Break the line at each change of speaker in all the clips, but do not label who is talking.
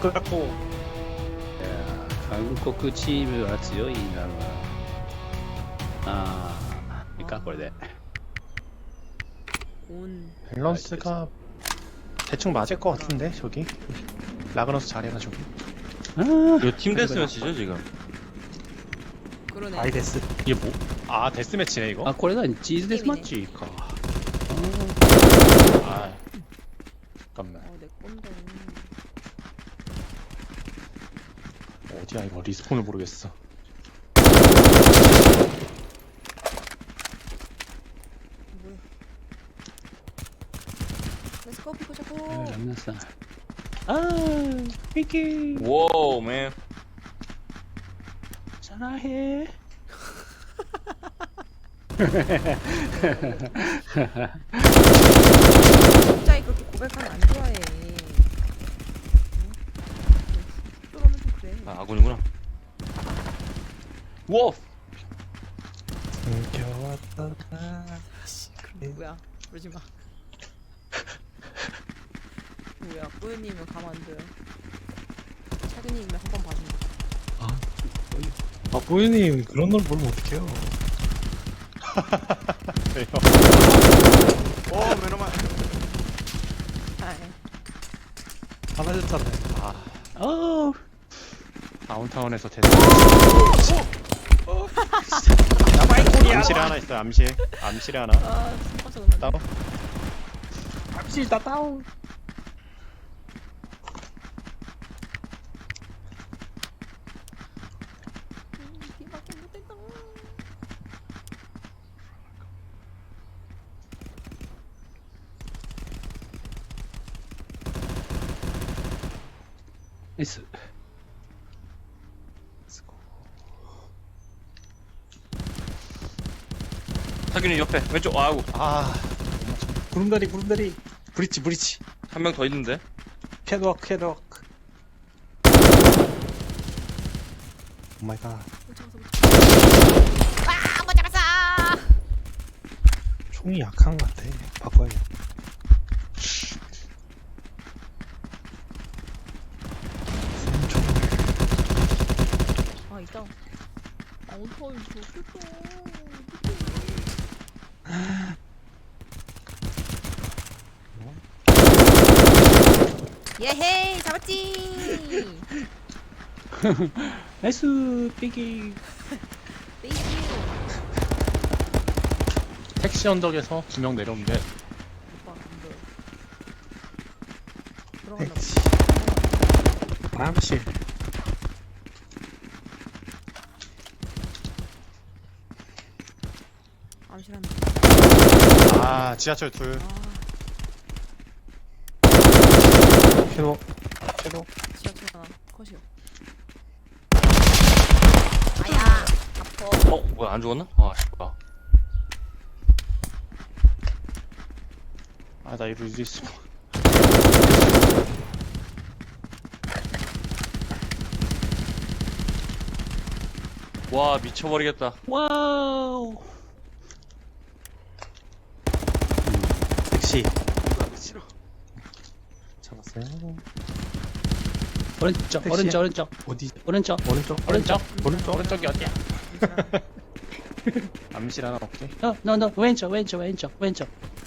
끄라고.
韓国チームは強いんだろうな。ああ、いいかこれで。
온
밸런스가 대충 맞을 것 같은데 저기 라그너스 잘해가지고.
이거 팀 데스매치죠 지금?
그러네.
아이데스. 이게 뭐? 아 데스매치네 이거.
あ、これ何チーズデスマッチか。
아 잠깐만.
내 건데.
어디야 이거 리스폰을 모르겠어.
뭐야? 렛츠고 피고 잡고.
ラミナさん。あー、ミキー。
와우 맨.
사랑해.
갑자기 그렇게 고백하면 안 좋아해. 그러면 좀 그래.
아 아군이구나. 워.
숨겨왔다.
뭐야? 그러지 마. 뭐야? 뿌요님은 가만 안 둬요. 차근님은 한번 봐준다.
아, 보이님 그런 걸 보면 어떡해요?
왜요?
오 메노만.
아,
화나셨잖아요.
어.
다운타운에서 데스. 암실에 하나 있어. 암실에 하나.
아, 깜짝 놀랐네.
다운.
잠시 다 다운.
뒤밖에 못했다.
S.
타균이 옆에 왼쪽. 아이고
아
구름다리 구름다리. 브리치.
한 명 더 있는데.
캐드워크. 오 마이 갓.
아, 못 잡았어.
총이 약한 것 같아. 바꿔야 돼. 센 총.
아, 있다. 아, 어떡해. 좋겠다. 예헤이, 잡았지.
S 삐기.
땡큐.
택시 언덕에서 2명 내려오는데
오빠, 안 보여. 들어갔나
택시. 암실.
봐. 암실한다.
아 지하철 둘.
캐도.
지하철 하나. 컷이요. 아야, 아파.
어 뭐야 안 죽었나? 아 씨발.
아 나 이거 있어.
와 미쳐버리겠다.
와우.
택시. 잡았어요.
오른쪽,
택시야?
오른쪽.
어디?
오른쪽.
오른쪽이 어디야? 암실 하나 없게.
너 왼쪽.
왼쪽.
왼쪽.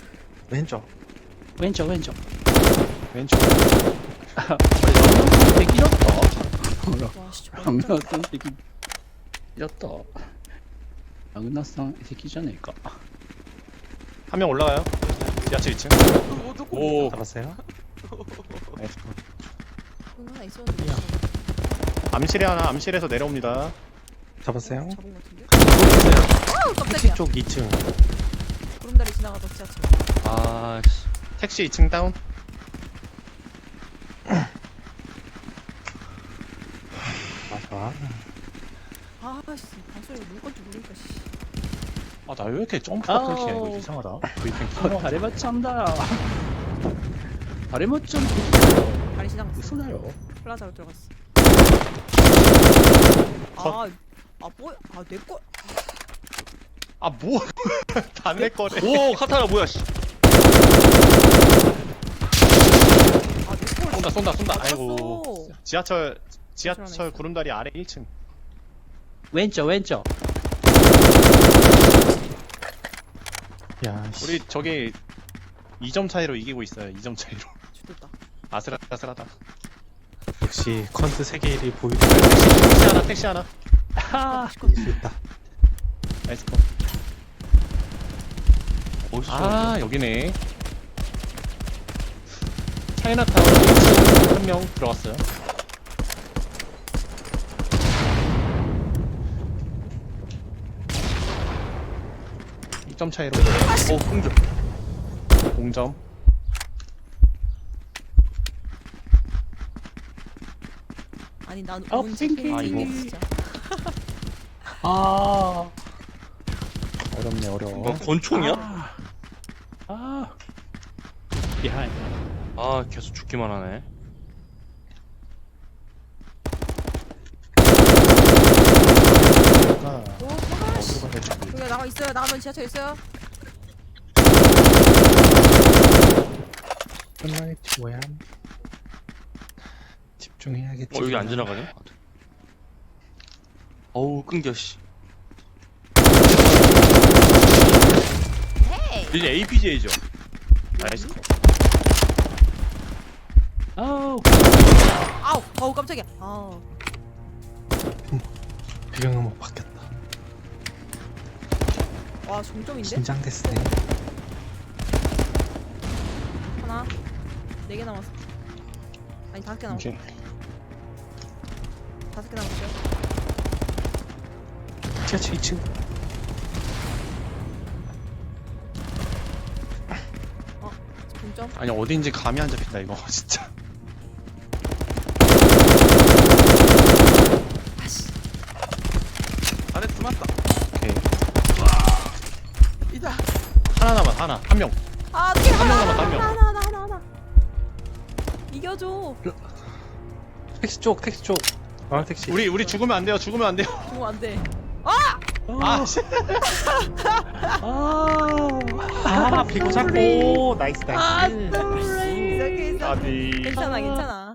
되게 길었다.
와, 씨, 저거
강나선 되게 길었다. 강나선 새끼잖아니까.
한 명 올라가요. 지하철 2층.
오.
잡았어요.
나이스.
돈 하나 있었는데.
암실에 하나. 암실에서 내려옵니다.
잡았어요.
잡은 것 같은데? 아우,
택시
깜짝이야.
쪽 2층.
구름다리 지나가던 지하철.
아씨.
택시 2층 다운.
맞아.
아, 씨, 방송에 누구 건지 모르니까, 씨.
아 나 왜 이렇게 점프가
아우.
끊기냐 이거 이상하다. 브리핑
다리 맞춘다. 다리 맞춘
다리 지나갔어.
웃으나요?
플라자로 들어갔어.
컷.
뭐야? 아, 내 거.
아 뭐? 다 내 거래.
오 카타나 뭐야 씨.
아, 내 걸.
쏜다.
아,
아이고. 지하철
그러네.
구름다리 아래 1층.
왼쪽 왼쪽.
야, 씨.
우리 저기 2점 차이로 이기고 있어요. 2점 차이로.
죽겠다.
아슬아슬하다.
역시 컨트 세계 1위 보이드.
택시 하나.
아,
이길 수 있다.
나이스 컷.
어디서?
아, 여기네. 차이나타운 1층 한 명 들어갔어요. 이점 차이로
공격.
공점.
아니 난
어,
운지
핑키.
핑키 진짜.
아,
어렵네, 어려워.
뭐 권총이야?
아, 비하인.
아 계속 죽기만 하네.
아,
오 도망가.
어디로 가야 될지 모르겠네.
여기 나가 있어요. 나가면 지하철 있어요.
끝나겠지 뭐야. 집중해야겠지.
여기 안 지나가네. 어우 끊겨 씨.
헤이.
이제 APJ죠.
나이스 컷.
아우,
아우 어우 깜짝이야. 아우.
배경음악 바뀌었다.
와 종점인데?
긴장됐네.
하나. 4개 남았어. 아니 5개 남았어.
오케이.
5개 남았어요.
지하철 2층.
종점.
아니, 어딘지 감이 안 잡힌다, 이거. 진짜.
아씨.
안에 들어왔다. 오케이. 하나 남았, 하나. 한 명.
아 어떻게
한 명 남았다, 한 명.
하나. 이겨줘.
택시 쪽. 아, 택시.
우리 죽으면 안 돼요, 죽으면 안 돼요.
죽으면 안 돼.
아, 씨.
아, 비고 잡고. 나이스,
아,
나이스.
sorry.
아니.
괜찮아.